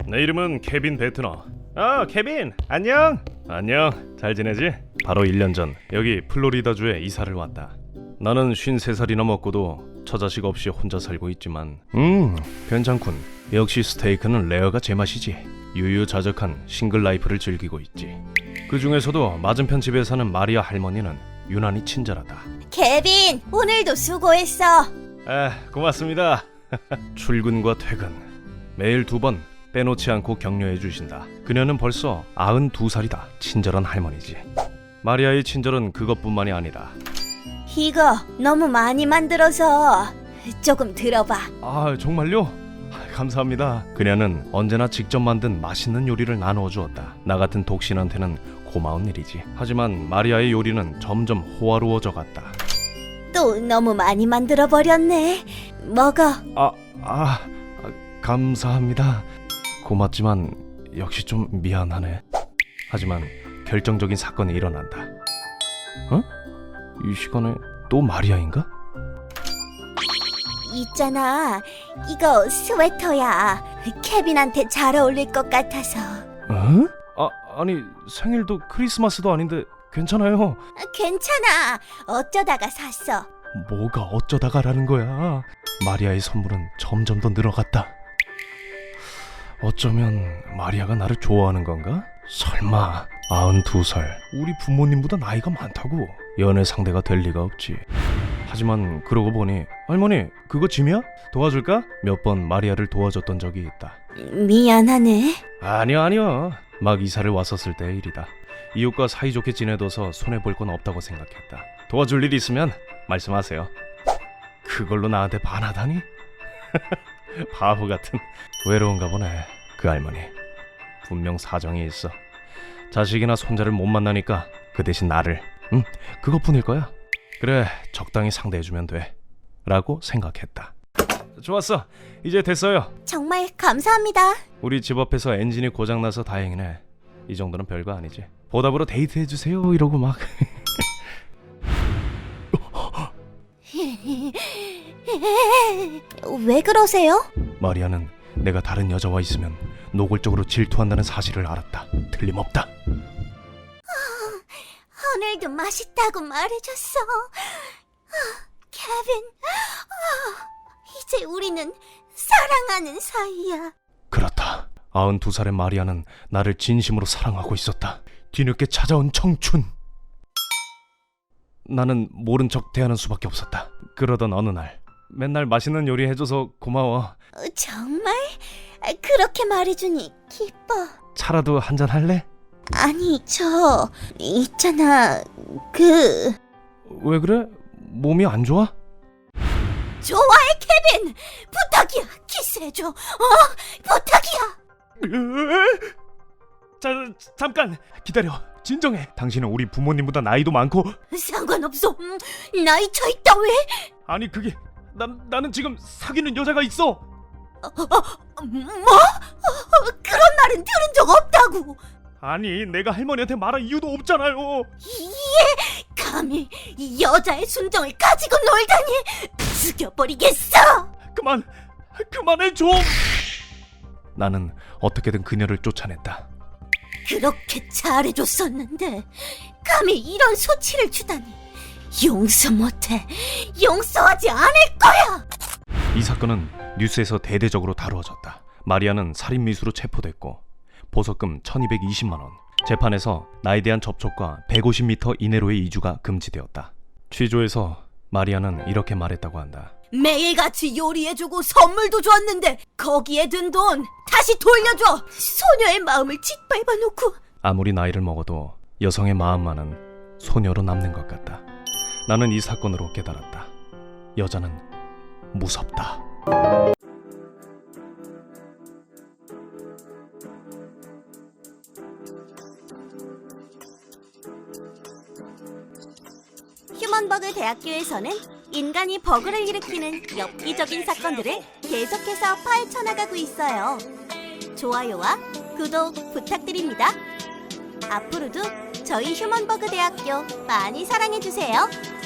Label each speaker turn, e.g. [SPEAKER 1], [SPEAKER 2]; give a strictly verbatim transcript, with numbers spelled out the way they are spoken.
[SPEAKER 1] 내 이름은 케빈 베트너. 아, 케빈, 안녕. 안녕, 잘 지내지? 바로 일 년 전 여기 플로리다주에 이사를 왔다. 나는 쉰세 살이나 먹고도 처자식 없이 혼자 살고 있지만 음, 괜찮군. 역시 스테이크는 레어가 제맛이지. 유유자적한 싱글 라이프를 즐기고 있지. 그 중에서도 맞은편 집에 사는 마리아 할머니는 유난히 친절하다.
[SPEAKER 2] 케빈, 오늘도 수고했어.
[SPEAKER 1] 아, 고맙습니다. 출근과 퇴근 매일 두 번 빼놓지 않고 격려해 주신다. 그녀는 벌써 아흔두 살이다. 친절한 할머니지. 마리아의 친절은 그것뿐만이 아니다.
[SPEAKER 2] 이거 너무 많이 만들어서 조금 들어봐.
[SPEAKER 1] 아, 정말요? 아, 감사합니다. 그녀는 언제나 직접 만든 맛있는 요리를 나누어 주었다. 나 같은 독신한테는 고마운 일이지. 하지만 마리아의 요리는 점점 호화로워져 갔다.
[SPEAKER 2] 또 너무 많이 만들어 버렸네. 먹어.
[SPEAKER 1] 아, 아, 아, 감사합니다. 고맙지만 역시 좀 미안하네. 하지만 결정적인 사건이 일어난다. 어? 이 시간에 또 마리아인가?
[SPEAKER 2] 있잖아, 이거 스웨터야. 케빈한테 잘 어울릴 것 같아서.
[SPEAKER 1] 어? 아, 아니 생일도 크리스마스도 아닌데 괜찮아요.
[SPEAKER 2] 괜찮아, 어쩌다가 샀어.
[SPEAKER 1] 뭐가 어쩌다가라는 거야. 마리아의 선물은 점점 더 늘어갔다. 어쩌면 마리아가 나를 좋아하는 건가? 설마. 아흔두 살, 우리 부모님보다 나이가 많다고 연애 상대가 될 리가 없지. 하지만 그러고 보니 할머니, 그거 짐이야? 도와줄까? 몇 번 마리아를 도와줬던 적이 있다.
[SPEAKER 2] 미안하네.
[SPEAKER 1] 아니요 아니요, 막 이사를 왔었을 때의 일이다. 이웃과 사이좋게 지내둬서 손해볼 건 없다고 생각했다. 도와줄 일 있으면 말씀하세요. 그걸로 나한테 반하다니? 바보 같은. 외로운가 보네 그 할머니. 분명 사정이 있어. 자식이나 손자를 못 만나니까 그 대신 나를, 응, 그것뿐일 거야. 그래, 적당히 상대해주면 돼 라고 생각했다. 좋았어, 이제 됐어요.
[SPEAKER 2] 정말 감사합니다.
[SPEAKER 1] 우리 집 앞에서 엔진이 고장나서 다행이네. 이 정도는 별거 아니지. 보답으로 데이트해주세요 이러고 막.
[SPEAKER 2] 왜 그러세요?
[SPEAKER 1] 마리아는 내가 다른 여자와 있으면 노골적으로 질투한다는 사실을 알았다. 틀림없다.
[SPEAKER 2] 오늘도 맛있다고 말해줬어. 아, 케빈, 아, 이제 우리는 사랑하는 사이야.
[SPEAKER 1] 그렇다. 아흔두 살의 마리아는 나를 진심으로 사랑하고 있었다. 뒤늦게 찾아온 청춘. 나는 모른 척 대하는 수밖에 없었다. 그러던 어느 날, 맨날 맛있는 요리 해줘서 고마워.
[SPEAKER 2] 어, 정말? 아, 그렇게 말해주니 기뻐.
[SPEAKER 1] 차라도 한잔 할래?
[SPEAKER 2] 아니, 저 있잖아, 그...
[SPEAKER 1] 왜 그래? 몸이 안 좋아?
[SPEAKER 2] 좋아해, 케빈! 부탁이야, 키스해줘. 어? 부탁이야.
[SPEAKER 1] 자, 잠깐 기다려. 진정해. 당신은 우리 부모님보다 나이도 많고.
[SPEAKER 2] 상관없어. 음, 나이 차 있다 왜?
[SPEAKER 1] 아니 그게 난, 나는 지금 사귀는 여자가 있어.
[SPEAKER 2] 어, 어, 뭐? 어, 그런 말은 들은 적 없다고.
[SPEAKER 1] 아니 내가 할머니한테 말할 이유도 없잖아요.
[SPEAKER 2] 이에 감히 이 여자의 순정을 가지고 놀다니. 죽여버리겠어.
[SPEAKER 1] 그만 그만해 좀. 나는 어떻게든 그녀를 쫓아냈다.
[SPEAKER 2] 그렇게 잘해줬었는데 감히 이런 소치를 주다니. 용서 못해. 용서하지 않을 거야.
[SPEAKER 1] 이 사건은 뉴스에서 대대적으로 다루어졌다. 마리아는 살인미수로 체포됐고 보석금 천이백이십만 원, 재판에서 나에 대한 접촉과 백오십 미터 이내로의 이주가 금지되었다. 취조에서 마리아는 이렇게 말했다고 한다.
[SPEAKER 2] 매일같이 요리해주고 선물도 줬는데 거기에 든 돈 다시 돌려줘. 소녀의 마음을 짓밟아놓고.
[SPEAKER 1] 아무리 나이를 먹어도 여성의 마음만은 소녀로 남는 것 같다. 나는 이 사건으로 깨달았다. 여자는 무섭다.
[SPEAKER 2] 휴먼버그 대학교에서는 인간이 버그를 일으키는 엽기적인 사건들을 계속해서 파헤쳐 나가고 있어요. 좋아요와 구독 부탁드립니다. 앞으로도 저희 휴먼버그 대학교 많이 사랑해주세요.